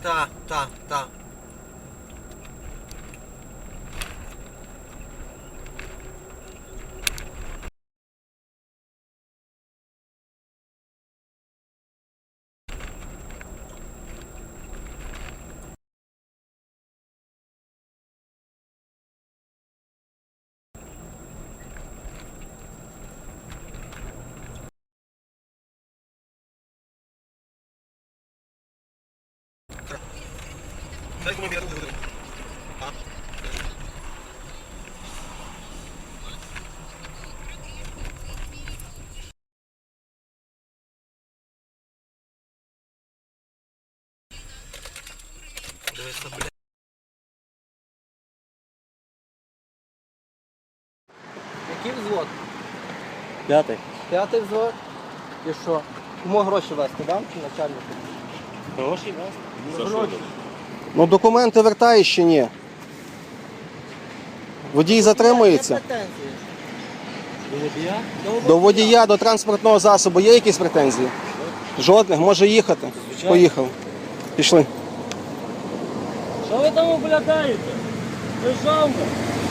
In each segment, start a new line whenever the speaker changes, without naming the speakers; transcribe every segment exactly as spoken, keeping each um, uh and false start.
Так, так, так. Дивися, блядь. Який взвод?
П'ятий.
П'ятий взвод? І що? Кому гроші вести, дам чи начальнику?
Гроші, так?
Гроші.
Ну документи вертаєш чи ні? Водій затримується.
Є претензії?
До водія?
До водія, до транспортного засобу є якісь претензії? Жодних, може їхати.
Звичайно.
Поїхав. Пішли.
Що ви там облядаєте? Державно.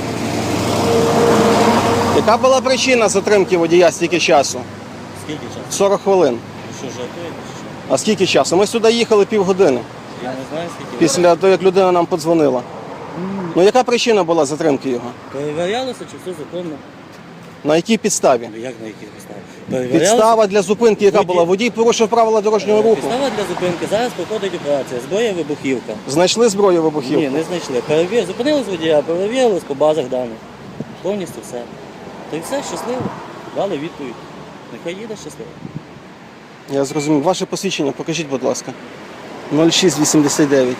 Яка була причина затримки водія стільки часу?
Скільки часу?
сорок хвилин.
Що, жартуєте чи що?
А скільки часу? Ми сюди їхали півгодини.
Я не знаю, скільки.
Після того, як людина нам подзвонила. Ну яка причина була затримки його?
Перевірялося, чи все законно?
На якій підставі?
Ну, як на яких підставах? Перевірялося?
Підстава для зупинки, яка
Водій.
була? Водій порушив правила дорожнього руху.
Підстава для зупинки. Зараз проходить операція. Зброя вибухівка.
Знайшли зброю вибухівку?
Ні, не знайшли. Перевір... Зупинились водія, перевірились по базах даних. Повністю все. Та й все, щасливо. Дали відповідь. Нехай їде щасливо.
Я зрозумів. Ваше посвідчення покажіть, будь ласка. нуль шість вісімдесят дев'ять.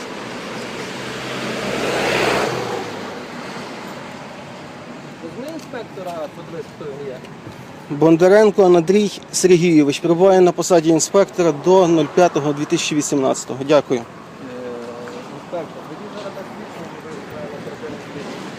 Візьми інспектора, подивись, хто він є.
Бондаренко Андрій Сергійович перебуває на посаді інспектора до нуль п'ятого дві тисячі вісімнадцятого. Дякую.
Е, Інспектор, водій зараз так свідчення, що ви на оперативній слідчі.